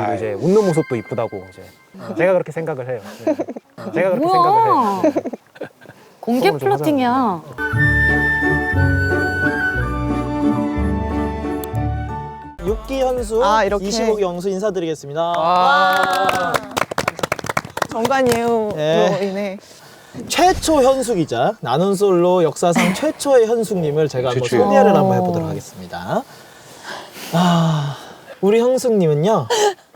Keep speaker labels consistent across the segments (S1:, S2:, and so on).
S1: 그리고 이제 웃는 모습도 이쁘다고 이제 제가 그렇게 생각을 해요. 네. 제가 그렇게 생각을 해요. 네.
S2: 공개
S1: 소통을 좀
S2: 플러팅이야.
S3: 육기 현수,
S4: 아, 이렇게.
S3: 25기 영수 인사드리겠습니다.
S4: 정관예우로
S3: 네.
S4: 인해
S3: 최초 현숙이자 나눈솔로 역사상 최초의 현숙님을 제가 한번
S5: 최초예요.
S3: 소개를 한번 해보도록 하겠습니다. 아, 우리 현숙님은요,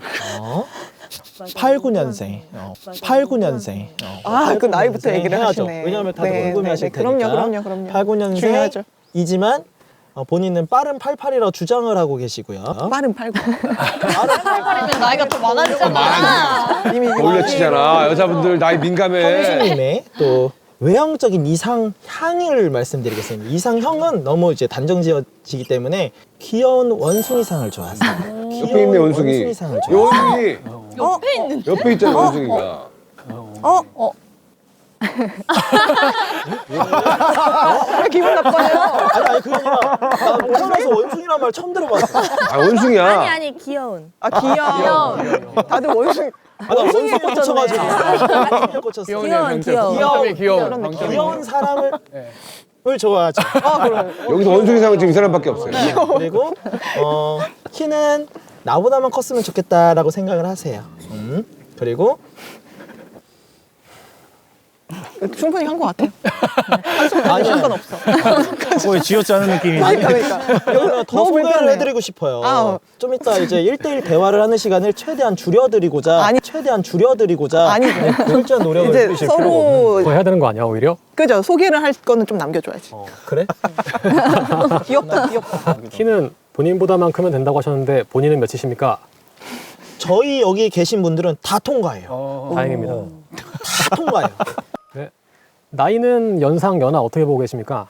S3: 89년생, 89년생.
S4: 아, 그 나이부터 얘기를
S3: 해야죠.
S4: 하시네.
S3: 왜냐하면 다들
S4: 네,
S3: 궁금해하실
S4: 네, 네.
S3: 테니까.
S4: 그럼요.
S3: 89년생이지만
S4: 중요하죠.
S3: 본인은 빠른 88이라고 주장을 하고 계시고요.
S4: 빠른 89.
S2: 그러면 나이가 더 많아지잖아.
S4: 이미
S5: 올려치잖아. 여자분들 나이 민감해.
S3: 현숙님의 또 외형적인 이상향을 말씀드리겠습니다. 이상형은 너무 이제 단정지어지기 때문에 귀여운 원숭이상을 좋아하세요.
S5: 옆에 있네 원숭이.
S3: 원숭이상을
S5: 이
S3: 좋아하세요.
S5: 원숭이 옆에 있잖아 원숭이가.
S4: 왜 기분 나빠요?
S3: 아니 그게 아니라 나 태어나서 원숭이란 말 처음 들어봤어.
S5: 아 원숭이야.
S6: 아니 귀여운.
S4: 아, 귀여워. 다들 원숭이.
S3: 나 원숭이에 꽂혀가지고. 원숭이에 꽂혔어.
S6: 귀여운.
S3: 귀여운 사람을 좋아하죠.
S5: 여기서 원숭이상은 지금 이 사람밖에 없어요.
S3: 그리고 키는 나보다만 컸으면 좋겠다라고 생각을 하세요. 그리고
S4: 충분히 한 것 같아요.
S3: 아니요.
S4: 상관없어.
S1: 거의 쥐어짜 하는 느낌이.
S4: 그러니까.
S3: 여기서 더
S4: 너무
S3: 소개를
S4: 불편해.
S3: 해드리고 싶어요.
S4: 아.
S3: 좀 이따 이제 1대1 대화를 하는 시간을 최대한 줄여드리고자
S4: 아니.
S3: 아니 철저한 노력을
S4: 이제
S3: 해주실 필요가 없는.
S4: 서로
S1: 더 해야 되는 거 아니야 오히려?
S4: 그죠? 소개를 할 거는 좀 남겨줘야지.
S3: 그래?
S4: 귀엽다.
S1: 키는 본인보다만 크면 된다고 하셨는데 본인은 몇이십니까?
S3: 저희 여기 계신 분들은 다 통과해요.
S1: 다행입니다.
S3: 다 통과해요.
S1: 네. 나이는 연상 연하 어떻게 보고 계십니까?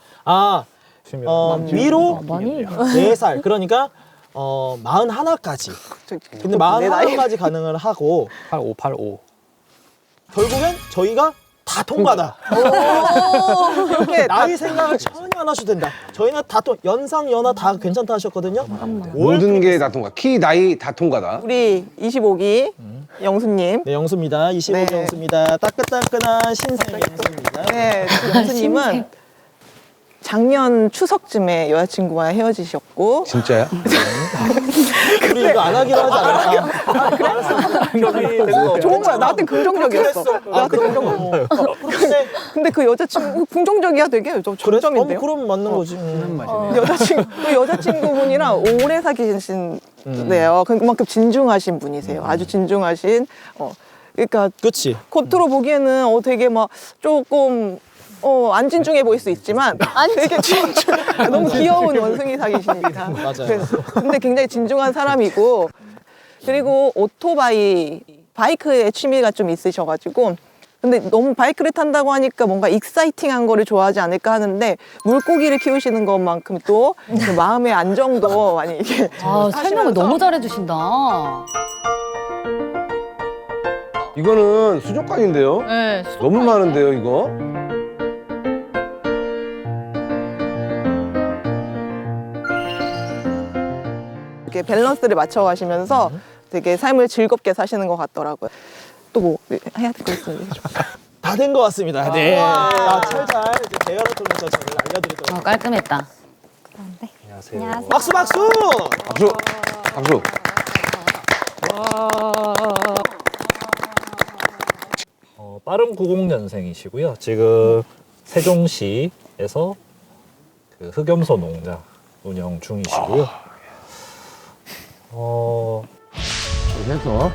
S3: 위로
S2: 많이.
S3: 4살 그러니까 41까지. 근데
S4: 내 나이.
S3: 41까지 가능을 하고
S1: 8585.
S3: 결국엔 저희가 다 통과다.
S4: 이렇게
S3: 나이 생각을 전혀 안 하셔도 된다. 저희는 다 연상 연하 다 괜찮다 하셨거든요.
S5: 모든 게 다 통과. 키 나이 다 통과다.
S4: 우리 25기 영수님.
S3: 네, 영수입니다. 25기
S4: 네.
S3: 영수입니다. 따끈따끈한 신생 영수입니다.
S4: 네, 영수님은 작년 추석쯤에 여자친구와 헤어지셨고
S5: 진짜야?
S3: 우리 이거 안 하기로 하지 않았나?
S4: 좋은 거야. 나한테 긍정적이었어. 나한테 긍정적. 근데 그 여자친구 긍정적이야 되게 좀 정점인데요.
S3: 그럼 맞는 거지.
S4: 그 여자친구분이랑 오래 사귀신데요. 그만큼 진중하신 분이세요. 아주 진중하신. 그러니까
S3: 그치.
S4: 겉으로 보기에는 되게 막 조금 안 진중해 보일 수 있지만 되게 진중. 너무 귀여운 원숭이 사귀시니까.
S3: 맞아요.
S4: 근데 굉장히 진중한 사람이고 그리고 바이크에 취미가 좀 있으셔가지고 근데 너무 바이크를 탄다고 하니까 뭔가 익사이팅한 거를 좋아하지 않을까 하는데 물고기를 키우시는 것만큼 또 그 마음의 안정도 많이 이게
S2: 아, 설명을 너무 잘해주신다.
S5: 이거는 수족관인데요?
S2: 네.
S5: 너무 많은데요 이거?
S4: 이렇게 밸런스를 맞춰가시면서 되게 삶을 즐겁게 사시는 것 같더라고요. 또 뭐 해야 될 거 있으면
S3: 다 된 것 같습니다. 네. 철잘 이제 대화를 통해서 저를 알려드리도록
S2: 깔끔했다.
S6: 안녕하세요.
S3: 박수 박수!
S5: 박수! 박수!
S7: 빠른 90년생이시고요. 지금 세종시에서 그 흑염소 농장 운영 중이시고요.
S5: 해서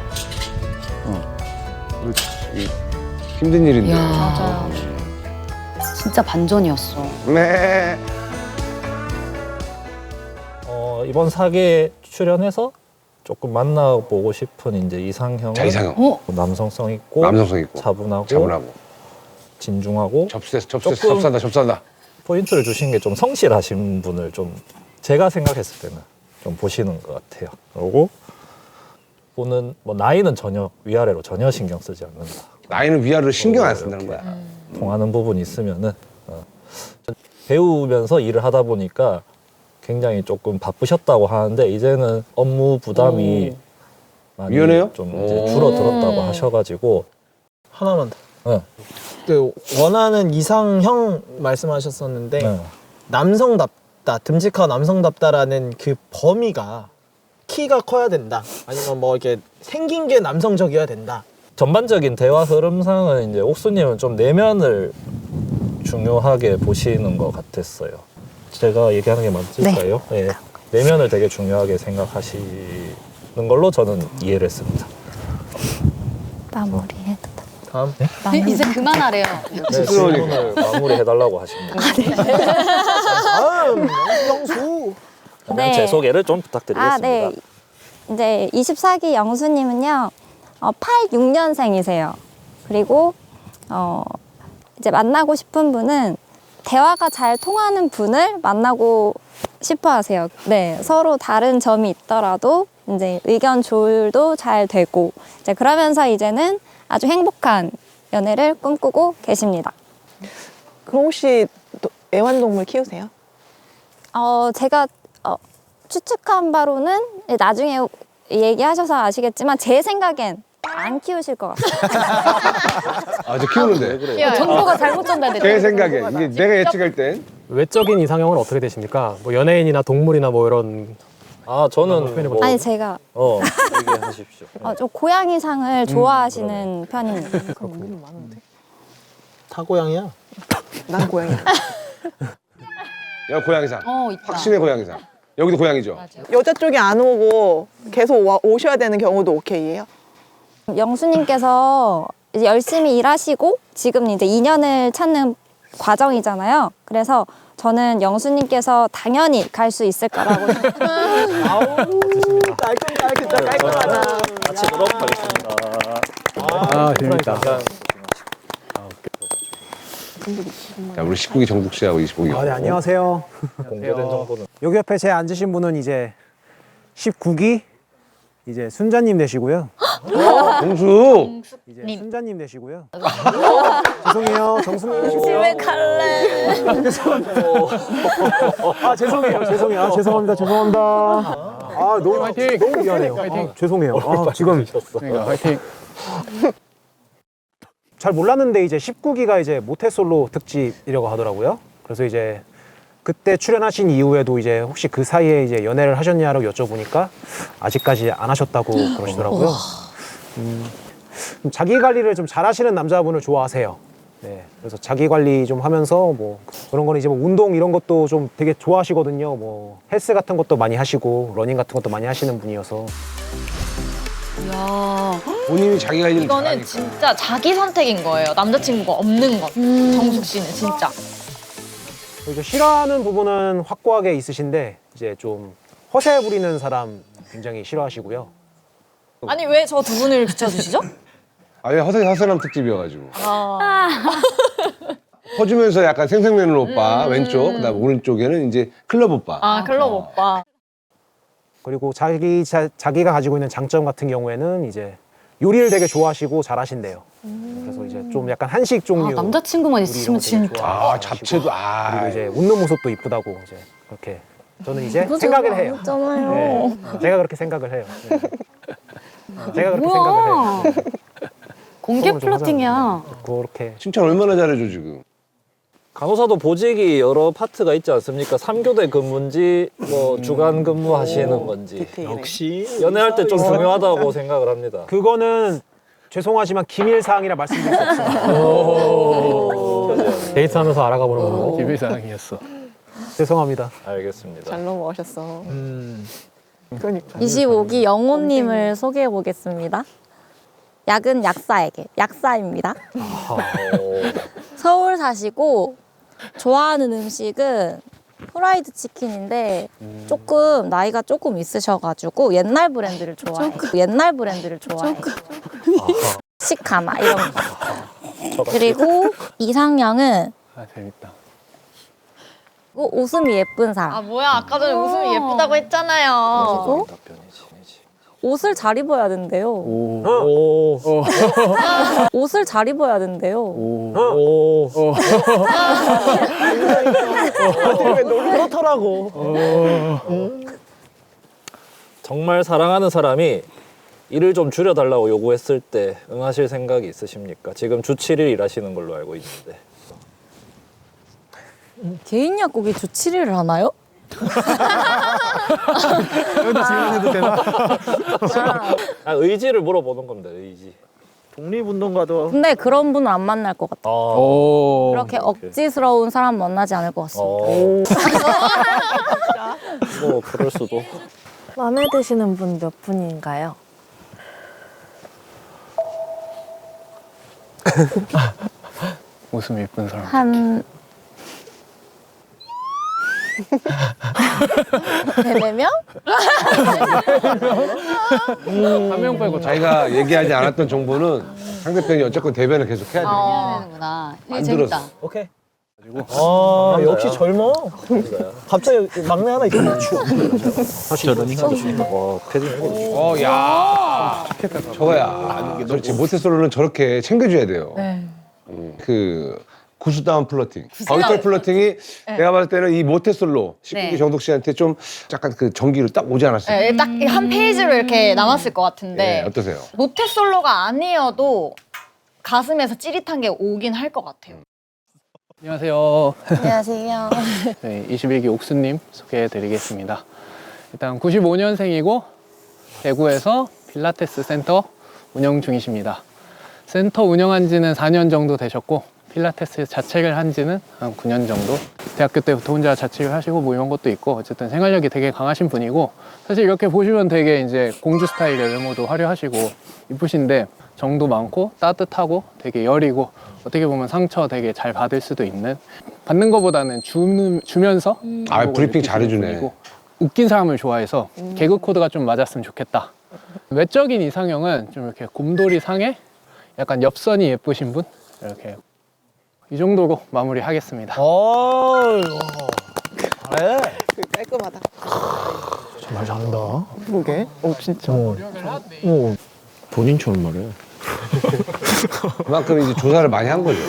S5: 힘든 일인데.
S2: 맞아요. 진짜 반전이었어.
S5: 네.
S7: 이번 사계에 출연해서 조금 만나보고 싶은 이제 이상형은
S5: 자 이상형.
S7: 남성성 있고
S5: 남성성 있고
S7: 차분하고 진중하고
S5: 접수한다.
S7: 포인트를 주신 게 좀 성실하신 분을 좀 제가 생각했을 때는 좀 보시는 것 같아요. 그리고 보는 뭐 나이는 전혀 위아래로 전혀 신경 쓰지 않는다.
S5: 나이는 위아래로 신경 안 쓴다는 거야.
S7: 통하는 부분이 있으면은 배우면서 일을 하다 보니까 굉장히 조금 바쁘셨다고 하는데 이제는 업무 부담이 많이
S5: 유연해요?
S7: 좀 이제 줄어들었다고 하셔가지고
S3: 하나만 더.
S7: 네.
S3: 그 원하는 이상형 말씀하셨었는데
S7: 네.
S3: 남성답다, 듬직하고 남성답다라는 그 범위가 키가 커야 된다. 아니면 뭐 이렇게 생긴 게 남성적이어야 된다.
S7: 전반적인 대화 흐름상은 이제 옥수님은 좀 내면을 중요하게 보시는 것 같았어요. 제가 얘기하는 게 맞을까요? 네. 내면을 되게 중요하게 생각하시는 걸로 저는 이해를 했습니다.
S6: 마무리해도 돼.
S3: 다음.
S2: 이제 그만하래요.
S7: 네, 질문을 마무리해달라고 하십니다.
S3: 다음 영수.
S7: 그러면
S6: 네.
S7: 제 소개를 좀 부탁드리겠습니다.
S6: 아, 네. 이제 24기 영수님은요, 86년생이세요. 그리고, 이제 만나고 싶은 분은 대화가 잘 통하는 분을 만나고 싶어 하세요. 네. 서로 다른 점이 있더라도 이제 의견 조율도 잘 되고, 이제 그러면서 이제는 아주 행복한 연애를 꿈꾸고 계십니다.
S4: 그럼 혹시 애완동물 키우세요?
S6: 제가 추측한 바로는 나중에 얘기하셔서 아시겠지만 제 생각엔 안 키우실 것 같아요.
S5: 아, 저 키우는데.
S2: 정보가 잘못 전달됐다.
S5: 제 생각에 이게 내가 예측할 땐
S1: 외적인 이상형은 어떻게 되십니까? 뭐 연예인이나 동물이나 뭐 이런.
S7: 아, 저는 뭐,
S6: 아니 제가
S7: 얘기하십시오.
S6: 좀 고양이상을 좋아하시는 편입니다.
S3: 다 고양이야.
S4: 난 고양이.
S5: 야, 고양이상.
S2: 있다.
S5: 확신의 고양이상. 여기도 고양이죠.
S4: 여자 쪽이 안 오고 계속 오셔야 되는 경우도 오케이예요?
S6: 영수님께서 이제 열심히 일하시고 지금 이제 인연을 찾는 과정이잖아요. 그래서 저는 영수님께서 당연히 갈 수 있을 거라고
S3: 깔끔하다.
S7: 마치도록 하겠습니다.
S1: 아, 재밌다.
S5: 자, 우리 19기 정국 씨하고 25기.
S1: 네, 안녕하세요.
S7: 공개된 정보는
S1: 여기 옆에 제 앉으신 분은 이제 19기 이제 순자님 되시고요.
S5: 공수.
S1: 이제 순자님 되시고요. 죄송해요, 정수님 되시고요.
S6: 집에 갈래.
S1: 아, 죄송해요. 아, 죄송합니다. 아, 너무 미안해요. 아, 죄송해요. 아, 지금 화이팅. 잘 몰랐는데 이제 19기가 이제 모태솔로 특집이라고 하더라고요. 그래서 이제 그때 출연하신 이후에도 이제 혹시 그 사이에 이제 연애를 하셨냐고 여쭤보니까 아직까지 안 하셨다고 그러시더라고요. 자기 관리를 좀 잘하시는 남자분을 좋아하세요. 네, 그래서 자기 관리 좀 하면서 뭐 그런 거는 이제 뭐 운동 이런 것도 좀 되게 좋아하시거든요. 뭐 헬스 같은 것도 많이 하시고 러닝 같은 것도 많이 하시는 분이어서.
S2: 이야.
S5: 본인이 자기 관리를
S8: 이거는
S5: 잘하니까.
S8: 진짜 자기 선택인 거예요. 남자친구가 없는 건. 정숙 씨는 진짜.
S1: 이제 싫어하는 부분은 확고하게 있으신데 이제 좀 허세 부리는 사람 굉장히 싫어하시고요.
S8: 아니 왜 저 두 분을 비춰주시죠?
S5: 아예 허세남 특집이어가지고. 퍼주면서 약간 생생맨 오빠 왼쪽, 그다음 오른쪽에는 이제 클럽 오빠.
S8: 아 클럽 오빠.
S1: 그리고 자기가 가지고 있는 장점 같은 경우에는 이제 요리를 되게 좋아하시고 잘하신대요. 그래서 이제 좀 약간 한식 종류.
S2: 남자친구만 있으시면 진짜.
S5: 아, 잡채도
S1: 그리고 이제 웃는 모습도 이쁘다고 이제 그렇게 저는 이제 생각을 해요. 네, 제가 그렇게 생각을 해요. 네. 제가 그렇게 생각을 해요. 네.
S2: 공개
S1: 소금을 좀
S2: 플러팅이야.
S1: 하자면, 그렇게
S5: 칭찬 얼마나 잘해줘 지금.
S7: 간호사도 보직이 여러 파트가 있지 않습니까? 3교대 근무인지 뭐 주간 근무하시는 건지
S4: 디테일해.
S3: 역시
S7: 연애할 때 좀 중요하다고 생각을 합니다.
S1: 그거는 죄송하지만 기밀 사항이라 말씀드릴 수 없습니다. 데이트하면서 알아가보는 거. 기밀 사항이었어. 죄송합니다.
S7: 알겠습니다.
S4: 잘 넘어가셨어. 그러니까.
S6: 25기 영호님을 소개해 보겠습니다. 약은 약사에게 약사입니다. 서울 사시고 좋아하는 음식은 프라이드 치킨인데 조금 나이가 조금 있으셔가지고 옛날 브랜드를 좋아해요. 옛날 브랜드를 좋아해요. 시카마 이런 거. 그리고 이상형은
S1: 아, 재밌다.
S6: 웃음이 예쁜 사람.
S8: 아 뭐야 아까 전에 웃음이 예쁘다고 했잖아요.
S6: 그리고 옷을 잘 입어야 된대요. 옷을 잘 입어야 된대요.
S3: 그렇더라고.
S7: 정말 사랑하는 사람이 일을 좀 줄여달라고 요구했을 때 응하실 생각이 있으십니까? 지금 주 7일 일하시는 걸로 알고 있는데.
S2: 개인 약국이 주 7일을 하나요?
S3: 여기다 질문해도 되나?
S7: 아, 의지를 물어보는 겁니다. 의지.
S3: 독립운동가도
S6: 근데 그런 분은 안 만날 것 같아요. 그렇게 억지스러운 사람 만나지 않을 것 같습니다.
S7: 뭐 그럴 수도.
S9: 마음에 드시는 분 몇 분인가요?
S10: 웃음 예쁜 사람.
S6: 한 3-4명?
S10: 한 명 빼고
S5: 자기가 얘기하지 않았던 정보는 상대편이 어쨌건 대변을 계속 해야 돼.
S2: 되는구나.
S5: 안 들었어.
S3: 오케이. 아 역시 젊어. 갑자기 막내 하나 있잖아.
S7: 와, 패딩.
S5: 야. 저거야. 그렇지. 모태솔로는 저렇게 챙겨줘야 돼요. 그 구수다운 플러팅. 거위털 플러팅이 내가 봤을 때는 이 모태솔로 19기
S8: 네.
S5: 정독 씨한테 좀 약간 그 전기로 딱 오지 않았어요?
S8: 네, 딱 한 페이지로 이렇게 남았을 것 같은데
S5: 네, 어떠세요?
S8: 모태솔로가 아니어도 가슴에서 찌릿한 게 오긴 할 것 같아요.
S10: 안녕하세요.
S6: 안녕하세요.
S10: 네, 21기 옥수님 소개해드리겠습니다. 일단 95년생이고 대구에서 필라테스 센터 운영 중이십니다. 센터 운영한 지는 4년 정도 되셨고 필라테스 자책을 한 지는 한 9년 정도. 대학교 때부터 혼자 자책을 하시고 뭐 이런 것도 있고 어쨌든 생활력이 되게 강하신 분이고 사실 이렇게 보시면 되게 이제 공주 스타일의 외모도 화려하시고 이쁘신데 정도 많고 따뜻하고 되게 여리고 어떻게 보면 상처 되게 잘 받을 수도 있는 받는 것보다는 주면서
S5: 아, 브리핑 잘해주네.
S10: 분이고 웃긴 사람을 좋아해서 개그 코드가 좀 맞았으면 좋겠다. 외적인 이상형은 좀 이렇게 곰돌이 상에 약간 엽선이 예쁘신 분 이렇게 이 정도로 마무리하겠습니다.
S3: 그래.
S4: 깔끔하다.
S3: 말 잘한다.
S4: 그러게. 진짜.
S3: 본인처럼 말해.
S5: 그만큼 이제 조사를 많이 한 거죠.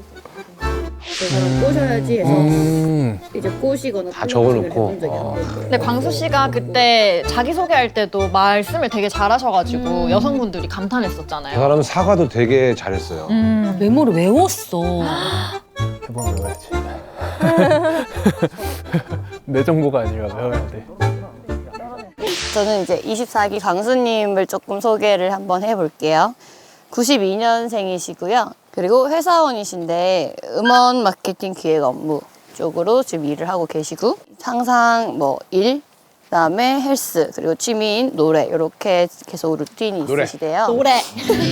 S11: 꼬셔야지 해서 이제 꼬시거나
S5: 다 적어놓고.
S11: 해본 적이 한 번도.
S8: 근데 광수 씨가 그때 자기소개할 때도 말씀을 되게 잘하셔가지고 여성분들이 감탄했었잖아요.
S5: 그 사람은 사과도 되게 잘했어요.
S2: 메모를 외웠어.
S10: 해보면 외워야지. 내 정보가 아니라 외워야 돼.
S9: 저는 이제 24기 광수님을 조금 소개를 한번 해볼게요. 92년생이시고요. 그리고 회사원이신데 음원 마케팅 기획 업무 쪽으로 지금 일을 하고 계시고 항상 뭐 일, 그다음에 헬스, 그리고 취미인 노래 이렇게 계속 루틴이
S5: 노래.
S9: 있으시대요.
S8: 노래.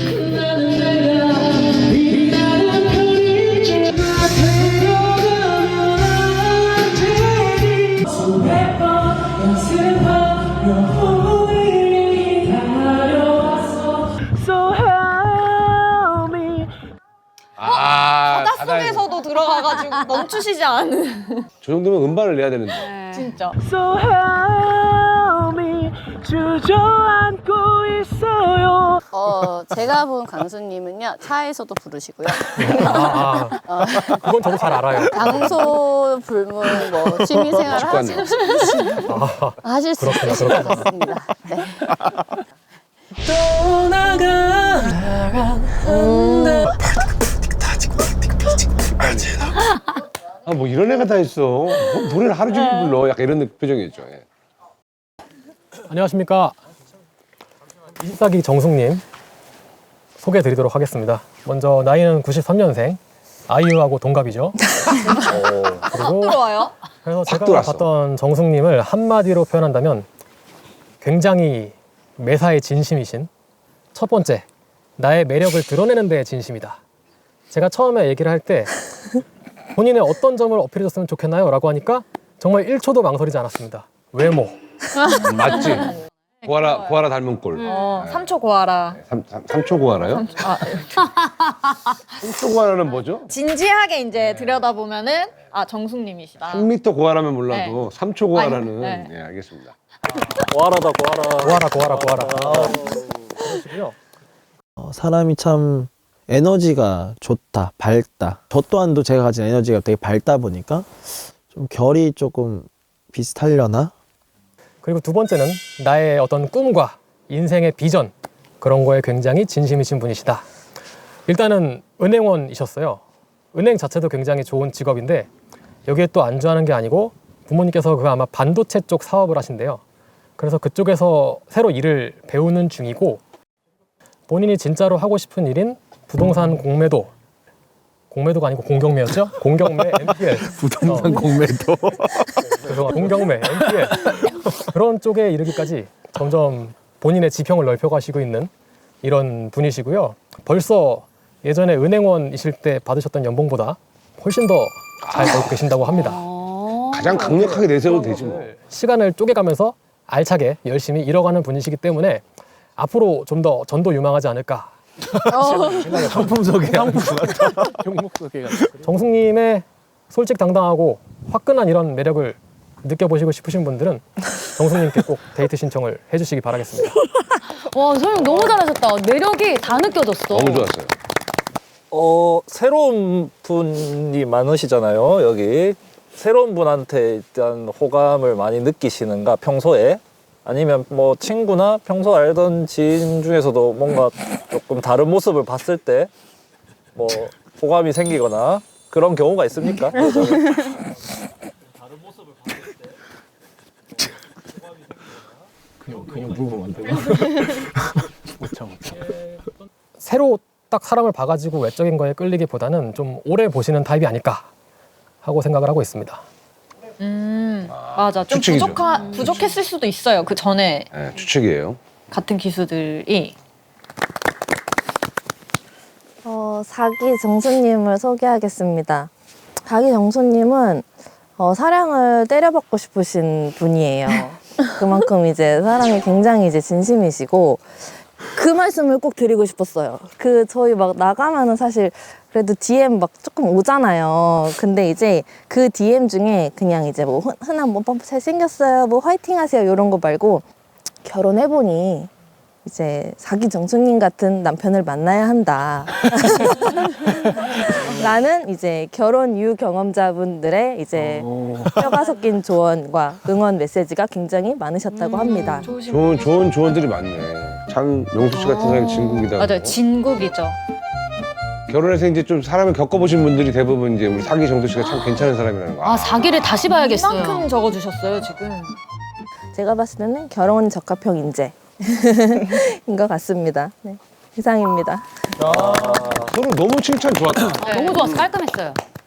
S8: 바닷속에서도 들어가가지고 멈추시지 않은.
S5: 저 정도면 음반을 내야 되는데.
S8: 진짜.
S9: 제가 본 광수님은요 차에서도 부르시고요.
S1: 그건 저도 잘 알아요.
S9: 장소 불문 뭐 취미생활 하시고 싶으시면 하실 수 있으실 것 같습니다. 네.
S5: 아, 뭐 이런 애가 다 있어. 뭐 노래를 하루 종일 불러. 약간 이런 표정이었죠. 예.
S12: 안녕하십니까. 24기 정숙님 소개해드리도록 하겠습니다. 먼저 나이는 93년생, 아이유하고 동갑이죠. 그리고
S8: 들어와요?
S12: 그래서 제가
S5: 들어왔어.
S12: 봤던 정숙님을 한마디로 표현한다면 굉장히 매사에 진심이신 첫 번째, 나의 매력을 드러내는 데에 진심이다. 제가 처음에 얘기를 할 때 본인의 어떤 점을 어필해줬으면 좋겠나요? 라고 하니까 정말 1초도 망설이지 않았습니다. 외모.
S5: 맞지? 고아라 닮은 꼴.
S8: 3초 고아라.
S5: 3초 고아라요? 3초 고아라는 뭐죠?
S8: 진지하게 이제 들여다보면은 아 정숙님이시다.
S5: 3m 고아라면 몰라도 3초 고아라는
S8: 네.
S5: 예, 알겠습니다.
S7: 고아라다 고아라.
S12: 고아라.
S3: 그러시고요. 사람이 참 에너지가 좋다, 밝다. 저 또한도 제가 가진 에너지가 되게 밝다 보니까 좀 결이 조금 비슷하려나?
S12: 그리고 두 번째는 나의 어떤 꿈과 인생의 비전, 그런 거에 굉장히 진심이신 분이시다. 일단은 은행원이셨어요. 은행 자체도 굉장히 좋은 직업인데 여기에 또 안주하는 게 아니고 부모님께서 그 아마 반도체 쪽 사업을 하신대요. 그래서 그쪽에서 새로 일을 배우는 중이고 본인이 진짜로 하고 싶은 일인 부동산 공매도가 아니고 공경매였죠? 공경매 MPL.
S3: 부동산 공매도.
S12: 죄송합니다. 공경매 MPL. 그런 쪽에 이르기까지 점점 본인의 지평을 넓혀가시고 있는 이런 분이시고요. 벌써 예전에 은행원이실 때 받으셨던 연봉보다 훨씬 더 잘 벌고 계신다고 합니다.
S5: 가장 강력하게 내세워도 되지 뭐.
S12: 시간을 쪼개가면서 알차게 열심히 잃어가는 분이시기 때문에 앞으로 좀 더 전도 유망하지 않을까.
S3: 상품 소개.
S10: 종목 소개가.
S12: 정숙님의 솔직당당하고 화끈한 이런 매력을 느껴보시고 싶으신 분들은 정숙님께 꼭 데이트 신청을 해주시기 바라겠습니다.
S2: 와, 설명 너무 잘하셨다. 매력이 다 느껴졌어.
S5: 너무 좋았어요.
S7: 새로운 분이 많으시잖아요, 여기. 새로운 분한테 일단 호감을 많이 느끼시는가, 평소에? 아니면 뭐 친구나 평소 알던 지인 중에서도 뭔가 조금 다른 모습을 봤을 때 뭐 호감이 생기거나 그런 경우가 있습니까?
S10: 그냥 물어보면 안 되나? 못 참아.
S12: 새로 딱 사람을 봐가지고 외적인 거에 끌리기보다는 좀 오래 보시는 타입이 아닐까 하고 생각을 하고 있습니다.
S8: 맞아. 좀
S5: 추측이죠.
S8: 부족했을 수도 있어요. 그 전에
S5: 네, 추측이에요.
S8: 같은 기수들이.
S13: 사기 정수님을 소개하겠습니다. 사기 정수님은 사랑을 때려받고 싶으신 분이에요. 그만큼 이제 사랑이 굉장히 이제 진심이시고 그 말씀을 꼭 드리고 싶었어요. 저희 막 나가면은 사실 그래도 DM 막 조금 오잖아요. 근데 이제 그 DM 중에 그냥 이제 뭐 흔한 뭐 잘생겼어요, 뭐 화이팅 하세요 이런 거 말고 결혼해보니 이제 사기 정수님 같은 남편을 만나야 한다. 라는 이제 결혼 유경험자분들의 이제 뼈가 섞인 조언과 응원 메시지가 굉장히 많으셨다고 합니다.
S5: 좋은 조언들이 많네. 장명수 씨 같은 사람이 진국이다.
S8: 맞아요. 진국이죠.
S5: 결혼해서 이제 좀 사람을 겪어보신 분들이 대부분 이제 우리 사기 정수 씨가 참 괜찮은 사람이라는 거.
S2: 아, 사기를 다시 봐야겠어요.
S8: 이만큼 적어주셨어요, 지금.
S13: 제가 봤을 때는 결혼 적합형 인재인 것 같습니다. 네. 이상입니다.
S5: 서로 너무 칭찬 좋았다.
S2: 너무 좋았어. 깔끔했어요.